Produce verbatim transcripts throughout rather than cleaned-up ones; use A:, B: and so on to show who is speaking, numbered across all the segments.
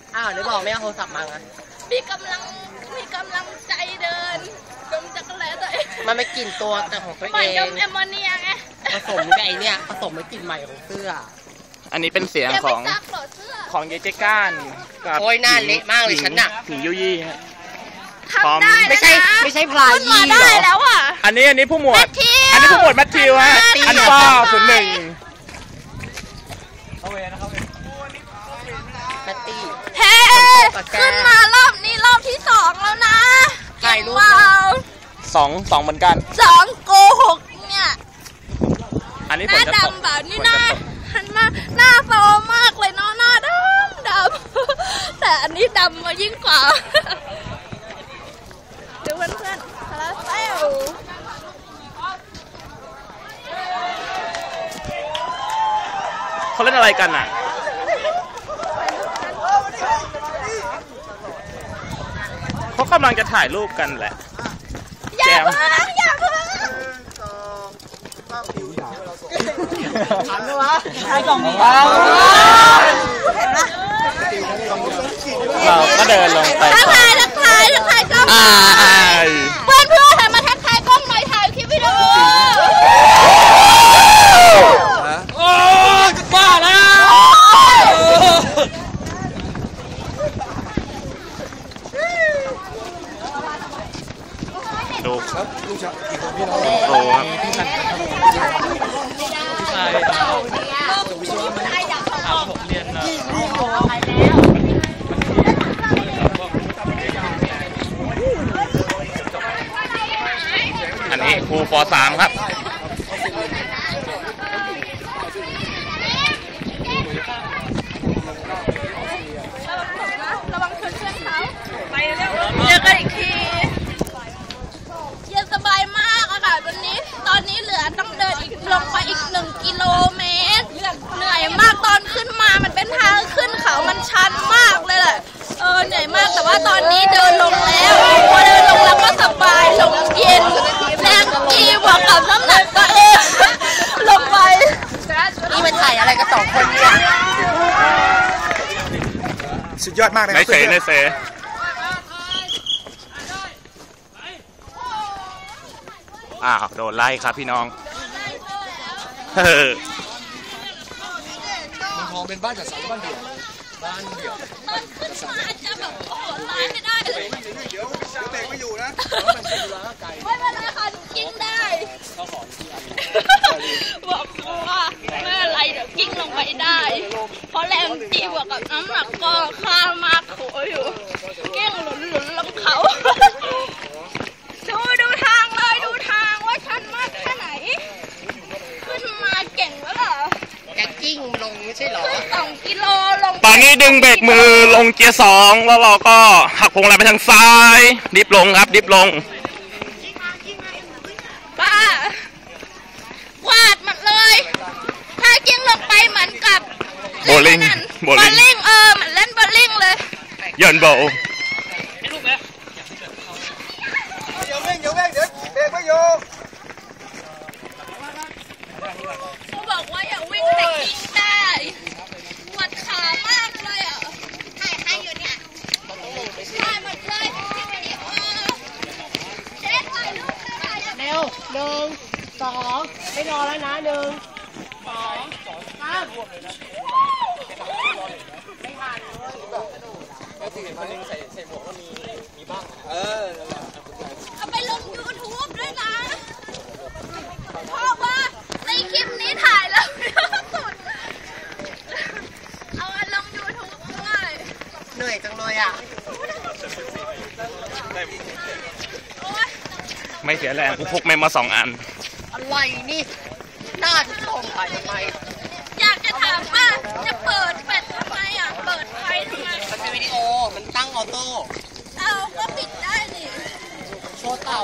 A: อ้าวเดี๋ยวบอกไม่เอาโทรศัพท์มาไง
B: มีกำลังมีกำลังใจเดินดมจักรแลตัวเอง
A: มันไม่กลิ่นตัวแต่ของตัวเอง
B: มันดมแอมโมเนียไง
A: ผสมกับไอเนี้ยผสมกับกลิ่นใหม่ของเสื้อ
C: อันนี้เป็นเสียงของของเยเจก้าน
A: กับโอ้ยหน้าเละมากเลยฉันน่ะ
C: ผียุยี่ฮะ
B: ทำได้
A: ไม่ใช่ไม่ใช่พลายยี
B: หรอได้แล้วอ่ะ
C: อันนี้อันนี้ผู้หมวดอันนี้ผู้หมวดมัทธิวฮะอันฟ้าศูนย์หนึ่ง
A: มัตตี้
B: เฮ้ขึ้นมารอบนี้รอบที่สองแล้วนะ
A: ถ่ายรูป
C: สองสองเหมือนกัน
B: สองโกหกเนี่ย
C: อันนี้
B: หน้าดำแบบนี้นะหันมาหน้าโซมากเลยเนาะหน้าดำดำแต่อันนี้ดำมายิ่งกว่าดูเพื่อนๆคาราเซล
C: เขาเล่นอะไรกันอ่ะเขากำลังจะถ่ายรูปกันแหละ
B: อย่าเพิ่งอย่าเพิ่ง
A: ทันไหมวะถ่ายกล่องนี้เห็นไหม
C: เราก็เดินลงไป
B: ทักทายทักทายทักทายกล้องเพื่อนเพื่อนมาทักทายกล้องหน่อยถ่ายคลิปวิดีโอ
A: โอ้ยบ้าแล้ว
C: ดูครับลูกชายอีกคนพี่น้องโอ้ครับพี่ชายพี่ชายผมเรียนนะอันนี้ครูป.สาม ครับ
B: ระวังเพื่อนเขาไปเร็วเจอกันอีกทีเย็นสบายมากอะค่ะวันนี้ตอนนี้เหลือต้องเดินอีกลงไปอีกหนึ่งกิโลเมตรเหนื่อยมากตอนขึ้นมามันเป็นทางขึ้นเขามันชันมากเลยแหละเออเหนื่อยมากแต่ว่าตอนนี้เดินลงแล้วพอเดินลงแล้วก็สบายลงเย็นแรงกีบวกกับน้ำหนักตัวเองลงไป
A: นี่มันถ่ายอะไรกันสองคนเนี่ย
D: สุดยอดมากเลย
C: ในเสในเสอ้าวโดนไล่ครับพี่น้องเฮ้อ
D: มันทองเป็นบ้านจัดสรรบ้านเดี่ยวบ้านเดี่ยว
B: ตอนขึ้นมาจะแบบโอ้โหตายไม่ได้เลย
D: เดี๋ยวเด็กไม่อยู่นะ
B: ไม่เป็นไรค่ะกิ้งได้บอกว่าไม่เป็นไรเดี๋ยวกิ้งลงไปได้เพราะแรงจีบวกกับน้ำหนักก็ข้ามากโขอยู่กิ้งหลุนหลุนลงเขาดูดูทางเลยดูทางว่าชันมากแค่ไหนขึ้นมาเก่งแล้วเหรอ
A: แกกิ้งลงไม่ใช่หรอ
B: ขึ้นสองกิโลลง
C: ตอนนี้ดึงเบรกมือลงเกียร์สองแล้วเราก็หักพวงมาลัยไปทางซ้ายดิฟลงครับดิฟลง
B: ป้าวาดหมดเลยถ้ากิ้งลงไปเหมือนกับ
C: โบลิ่ง
B: โบลิ่งเออเหมือนเล่นโบลิ่งเลย
C: ย้อนโบ
D: เดี๋ยวเร่งเดี๋ยวเร่งเดี๋ยวเบรกไม่อยู่
B: เขาบอกว่าอย่าวิ่งแต่กิ้งได้ปวดขามากเลยอ่ะถ่ายให้อยู่เนี่ยถ่ายหมดเลยเจ๊ถ่ายรูปเลยถ่าย
A: เร็วหนึ่งสองไม่รอแล้วนะหนึ่งสองสามไม่ทันเลยแล้วที่เห็นคนนึงใส่ใส่หมวกก็มีมีบ้างเออ
B: เอาไปลงยูทูบด้วยนะเพราะว่าในคลิปนี้ถ่ายแล้วสุดเอาไปลงยูทูบด้วย
A: เหนื่อยจังเลยอ่ะ
C: ไม่เสียแรงกูพกเมมมาสองอัน
A: อะไรนี่หน้าทุกคนถ่ายทำไม
B: อยากจะถามว่าจะเปิดแฟลชทำไมอ่ะเปิดไฟทำไม
A: มันเป็นวิดีโอมันตั้งออโต้
B: เอาก็ปิดได้นี่
A: โชว์เต่า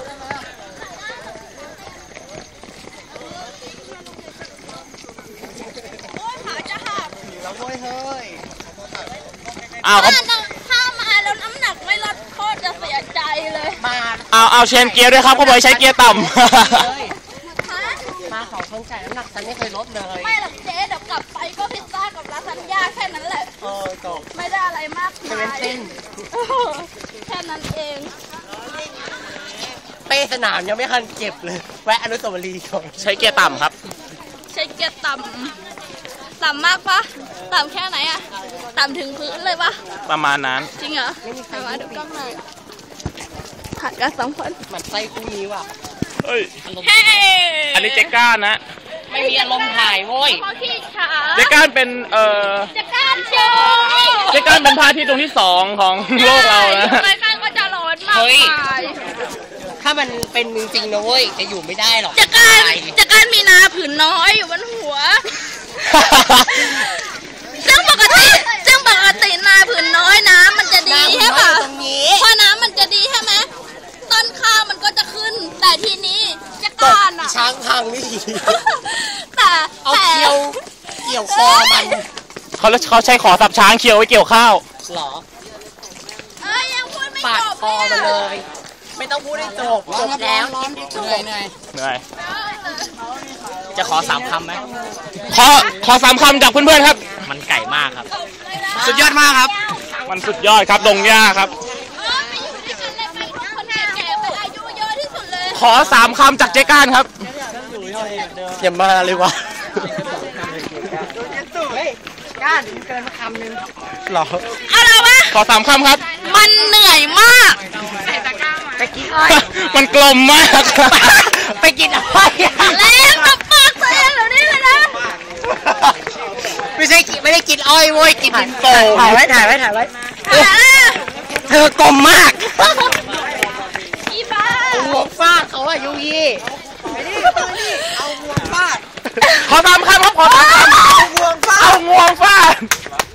B: โอ้ยขาจะหัก
A: แล้วเฮ้ยเฮ้ย
C: อ้าว
B: ถ้ามาแล้วน้ำหนักไม่ลดโคตรจะเสียใจเลย
A: มา
C: เอาเอาเชนเกียร์ด้วยครับเขาบอกใช้เกียร์ต่ำ
A: มาเขาชนใจน้ำหนักฉันไม่เคยลดเลย
B: ไม่หรอกเจ๊เดี๋ยวกลับไปก็พิซซ่ากับลาซานญ่าแค่นั้นแหละ
A: เออจบ
B: ไม่ได้อะไรมากมายแค่นั้นเอง
A: เป้สนามยังไม่ทันเก็บเลยแวะอนุสาวรีย์ก่อน
C: ใช้เกียร์ต่ำครับ
B: ใช้เกียร์ต่ำต่ำมากปะต่ำแค่ไหนอะต่ำถึงพื้นเลยปะ
C: ประมาณนั้น
B: จริงเหรอมาดูกล้องหน่อยถ่ายกันสองคน
A: มันไส้คู่นี้ว่ะ
C: เฮ้ยอันนี้เจ๊ก้านนะ
A: ไม่มีอารมณ์ถ่ายโว้ย
C: เจ๊ก้านเป็นเอ่อ
B: เจ๊ก้านโชว์
C: เจ๊ก้านเป็นพระอาทิตย์ดวงที่สองของโลกเรานะ
B: เจ๊ก้านก็จะร้อนมาก
A: ถ้ามันเป็นจริงๆนะเว้ยจะอยู่ไม่ได้หรอก
B: เจ๊ก้านเจ๊ก้านมีนาผืนน้อยอยู่บนหัวซึ่งปกติซึ่งปกตินาผืนน้อยน้ำมันจะดีใช่ป่ะเพราะน้ำมันจะดีใช่ไหมต้นข้าวมันก็จะขึ้นแต่ทีนี้เจ๊ก้านอ่ะ
A: ช้างพังนี่
B: แต่
A: เอาเกี่ยวเกี่ยวคอมัน
C: เขาเขาใช้ขอสับช้างเคี่ยวไว้เกี่ยวข้าว
A: หรอ
B: เอ้ยยังพูดไม่จบ
A: คอมาเลยไม่ต้องพูดให้จบจบแล้วเหนื่อยเหนื่อย
C: เหนื่อย
A: จะขอสามคำไหม
C: ขอขอสามคำจากเพื่อนๆครับ
A: มันไก่มากครับสุดยอดมากครับ
C: มันสุดยอดครับดงหญ้าครับขอสามคำจากเจ๊ก้านครับ
A: อย่ามาเลยวะก้านเกินคำนึงหรอ
B: อะไรวะ
C: ขอสามคำครับ
B: มันเหนื่อยมาก
A: ไปกินอ้อย
C: มันกลมมาก
A: ไปกินอ้อย
B: แล้วกับปากตัวเองเหล่านี้เลยนะ
A: ไม่ใช่ไม่ได้กินอ้อยโว้ยกินดินโป่งถ่ายไว้ถ่ายไว้ถ่ายไว้เธอกลมมาก
B: อีบ้า
A: หัวฟาดเขาอะยูยี่ไปนี่ตัวนี่เอาหัวฟาด
C: ขอสามคำครับขอสามคำเอางวงฟาดเอางวงฟาด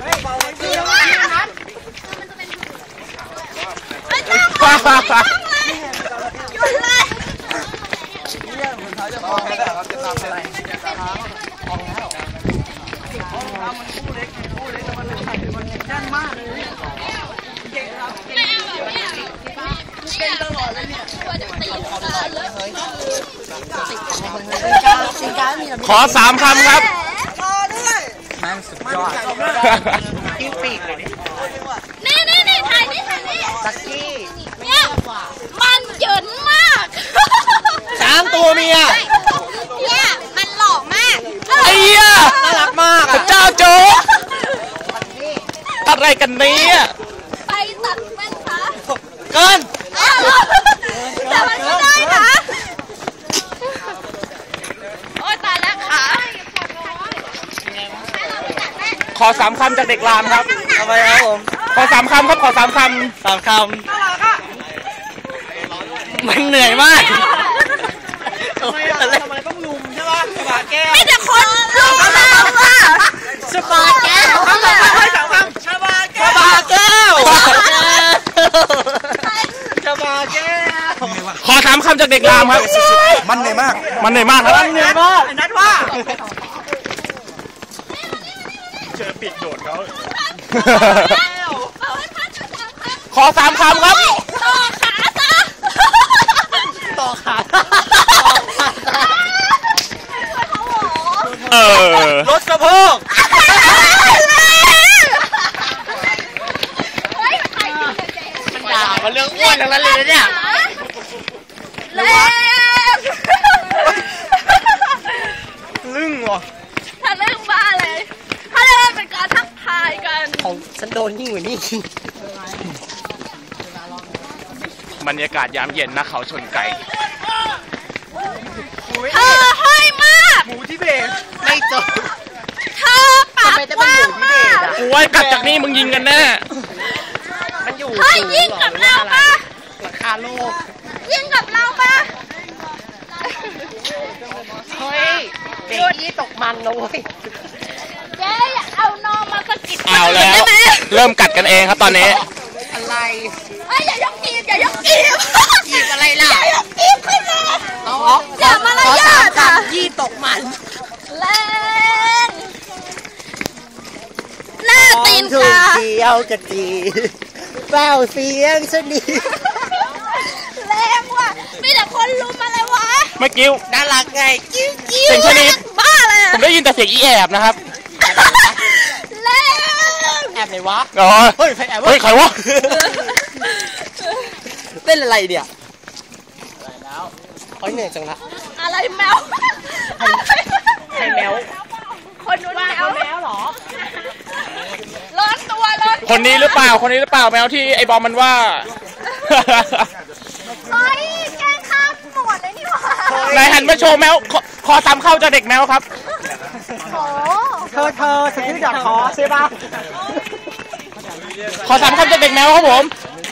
B: ฟ้าฟ้าฟ้าหยุดเลย
C: ขอสามคำครับ
A: มันสุดยอดกิ้วปีกเลย
B: นี่นี่นี่ถ่ายนี่ถ่ายนี่
A: ตักกี้
B: เนี่ยมันเหยินมาก
A: สามตัวเมีย
B: เนี่ยมันหล่อมาก
C: ไอ้เหี้ย
A: น่ารักมาก
C: เจ้าโจ๊กอะไรกันเนี่ย
B: ไปตัดแว่นขา
A: เกิน
B: แต่มันไม่ได้นะโอ้ยตายแล้วขา
C: ขอสามคำจากเด็กรามครับ
A: ทำไมครับผม
C: ขอสามคำครับขอสามคำ
A: สามคำมันเหนื่อยมาก
D: ทำไมต้องลุมใช่ป่ะสปาแก้ว
B: ไม่แต่คนลุมเราอะ
A: สปาแก้ว
D: สามคำสามคำสปาแก้ว
A: สปาแก้ว
D: สปาแก้ว
C: ขอสามคำจากเด็กรามครับ
D: มันเหนื่อยมาก
C: มันเหนื่อยมากครับ
A: มันเหนื่อยมาก
D: นัดว่าเจอปิดโดดเขา
C: ขอสามคำครับ
B: ต่อขาซะ
A: ต่อขา
C: เออ
A: รถสะโพกมันด่ามันเรื่องอ้วนอย่างนั้นเลยนะเนี่ย
B: เล่
C: ลึ่งวะ
B: ถ้าเรื่องบ้าเลยถ้าเรื่องเป็นการทักทายกัน
A: ของฉันโดนยิ่งกว่านี้
C: บรรยากาศยามเย็นนะเขาชนไก่
B: เธอห้อยมาก
D: หมูที่เบส
A: ไม่จบ
B: เธอปากกว้างมาก
C: โอ้ยกัดจากนี่มึงยิงกันแน่
A: มันอยู่
B: เฮ้ยยิงกับเราปะ
A: ราคาโลก
B: ยิงกับเราปะ
A: เฮ้ยเด็กยี่ตกมันนะเว้ย
B: เจ๊อย่าเอานอมาสะกิด
C: เอาแล้วเริ่มกัดกันเองครับตอนนี้
A: อะไร
B: เอ้ยอย่ายกกีบอย่ายกกีบ
A: กีบอะไรล่ะ
B: อย่ายกกีบขึ้นมาอย่ามารยาทอ่ะ
A: ยี่ตกมัน
B: แรงหน้าตีน
A: กาเดียวกะจีเป้าเสียงชนิด
B: แรงว่ะมีแต่คนลุมอะไรวะ
C: ไม่กิ้ว
A: น่ารักไงกิ้วกิ้ว
C: เสียงชนิด
B: บ้าเลย
C: ผมได้ยินแต่เสียงอีแอบนะครับ
B: แรง
A: แอบไหนวะ
C: อ๋อ
A: เฮ้ยใครแอบ
C: เฮ้ยใครวะ
A: เต้นอะไรเนี่ยเฮ้ยเหนื่อยจังละ
B: อะไรแมว
A: ใครแมว
B: คนนู้นแมวแมวหรอร้อนตัวร้อน
C: คนนี้หรือเปล่าคนนี้หรือเปล่าแมวที่ไอ้บอมมันว่า
B: เฮ้ยแกล้งข้ามหมดเลยนี่หว่า
C: นายหันมาโชว์แมวขอขอตามเข้าจะเด็กแมวครับ
B: โอ้
A: เธอเธอฉันที่ดักคอใช่ปะ
C: ขอสามคำจากเด็กแมวครับผม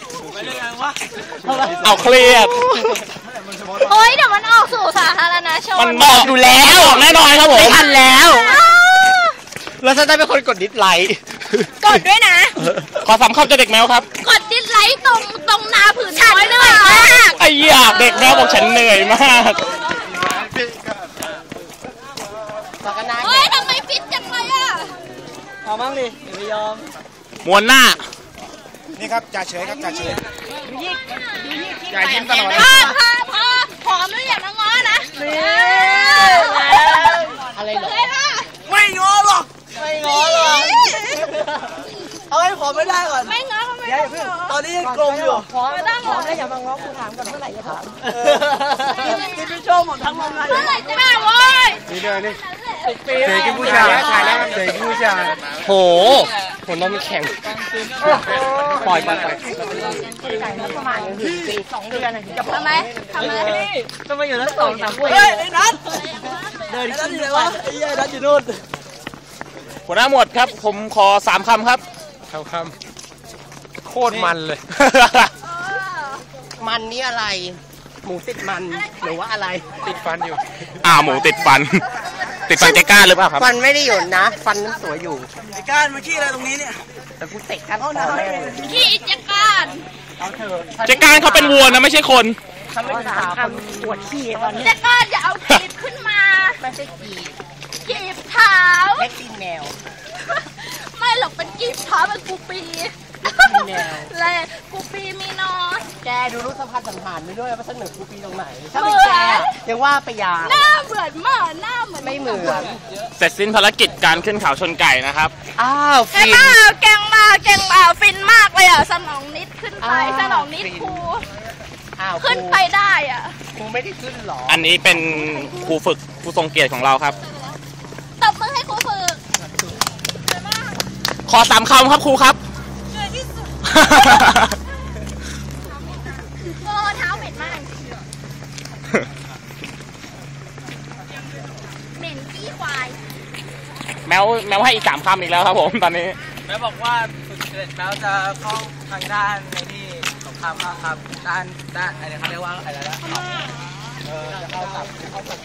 C: เอาเครียด
B: เฮ้ยเดี๋ยวมันออกสู่สาธารณชน
C: มันบอกอยู่แล้วแน่นอนครับผม
A: ไม่ทันแล้ว แล้วฉันได้เป็นคนกดดิสไลค์
B: กดด้วยนะ
C: ขอสามคำจากเด็กแมวครับ
B: กดดิสไลค์ตรงตรงนาผืนน้อยเหนื่อยมาก
C: ไอ้ยาเด็กแมวบอกฉันเหนื่อยมาก
B: เฮ้ยทำไมฟิตจังเลยอ่ะ
A: เอาบ้างดิอย่าไปยอม
C: มวนหน้า
D: นี่ครับจ่าเฉยครับจ่าเฉย
C: อย่ายิ้มตลอด
B: พอพอพอผอมแล้วอย่ามาง้อนะอะไรเหรอ
A: ไม่ง้อหรอกไม่ง้อหรอกเอาให้ผมไม่ได้ก่อน
B: ไม่ง้อก็ไม่
A: อย่า
B: ต้อง
A: เพิ่ง
B: ง้อ
A: ตอนนี้ยังกลมอยู่พร้อม
B: ไม่ต้อง
A: พร้
B: ง้
A: อ
B: อ
A: มแล้วอย่ามาง้อกูถามก่อนเมื่อไหร่จะถามกินพี่โชว์หมดทั้งวันเลย
B: เมื่อไหร่จะมาโว้ย
D: นี่เดินนี่เสกกินผู้ชายถ่ายแล้วเสกกินผู้ชาย
C: โหหัวนมแข็งปล่อยปล่อยปล่อย
B: ทำไมทำไม
A: ต้องมาอยู่ทั้งสองสามคนเฮ้ยไอ้นัทเดินขึ้นเลยวะไอ้ยัยนัทอยู่นู่น
C: หัวหน้าหมวดครับ ผมขอสามคำครับ
D: คำคำโคตรมันเลย
A: มันนี่อะไร หมูติดมันหรือว่าอะไร
D: ติดฟันอยู่
C: อ่าหมูติดฟัน ติดฟันใจกล้าหรือเปล่าครับ
A: ฟันไม่ได้หยุดนะ ฟันมันสวยอยู่ไอ้ก้านมาขี้อะไรตรงนี้เนี่ยแต่กูเตะกันเอาแม่
B: ขี้อิจการ
A: เอาเถอะ
C: ใจกล้าเขาเป็นวัวนะไม่ใช่คน
A: ทำไม่ถามคนปวดขี้ตอนนี้
B: อิจการอย่าเอากีบขึ้นมา
A: ไม่ใช่กี
B: กีบเท้า
A: เล็กตีนแมว
B: ไม่หรอกเป็นกีบเท้าเป็นกูปีเลยกูปีมีนอน
A: แกดูรูปสะพานสังหารไปด้วยว่าฉันเหมือนกูปีตรงไหนถ้าเป็นแกยังว่าไปยา
B: หน้าเหมือนมากหน้าเหมือน
A: ไม่เหมือน
C: เสร็จสิ้นภารกิจการขึ้นเขาชนไก่นะครับ
A: อ้าว
B: แก
A: ฟิน
B: มาแกงมาแกงมาฟินมากเลยอ่ะสนองนิดขึ้นไป
A: อ้าว
B: สนองนิดครู
A: อ้าว
B: ขึ้นไปได้อ่ะ
A: กูไม่ได้ขึ้นหรอ
C: อันนี้เป็นครูฝึกผู้ทรงเกียรติของเราครับ
B: ตบมือให้ครูฝึก
C: ขอสามคำครับครูครับ
B: โอ้เท้าเหม็นมากเหม็นขี้ควาย
C: แมวแมวให้อีกสามคำอีกแล้วครับผมตอนนี้
A: แม่บอกว่าฝึกเสร็จแล้วจะเข้าทางด้านในที่สงครามครับด้านด้านอะไรเขาเรียกว่าอะไรนะเออจะเข้ากับเข้ากับ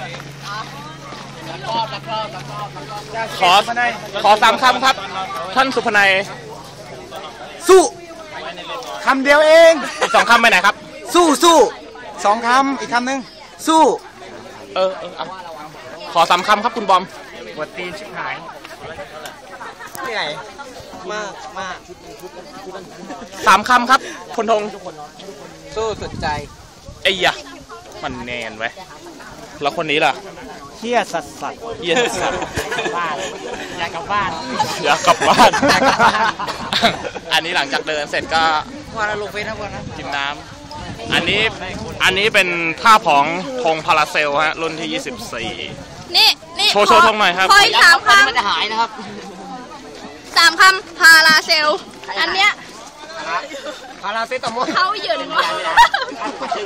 A: รอบรอบรอบรอบรอบ
C: ขอขอสามคำครับ ท่านสุพนัย
D: สู้คำเดียวเอง
C: อีกสองคำไปไหนครับ
D: สู้สู้สองคำอีกคำหนึ่งสู้
C: เออเออเอาขอสามคำครับคุณบอม
D: ปวดตีนชิบหาย
A: เหนื่อยมากมาก
C: สามคำครับพลธง
A: สู้สุดใจ
C: ไอ้ยะมันแนนไว้แล้วคนนี้ล่ะ
D: เฮี้ยสัสสัส
C: เยี่ยสัตว์
A: บ้านอยากกลับบ้าน
C: อยากกลับบ้าน
A: อยากกลับบ้าน
C: อันนี้หลังจากเดินเสร็จก็
A: วันละลงเฟซทั้งวันนะ
C: กินน้ำอันนี้อันนี้เป็นท่าของธงพาราเซลฮะรุ่นที่ยี่สิบสี่
B: นี่นี่
C: โชว์โชว์ธงหน่อยครับ
B: คอยสามค
A: มันจะหายนะครับ
B: ำสามคำพาราเซล อันเนี้ย
A: พาราเซตามอล
B: เขาหยืนมาก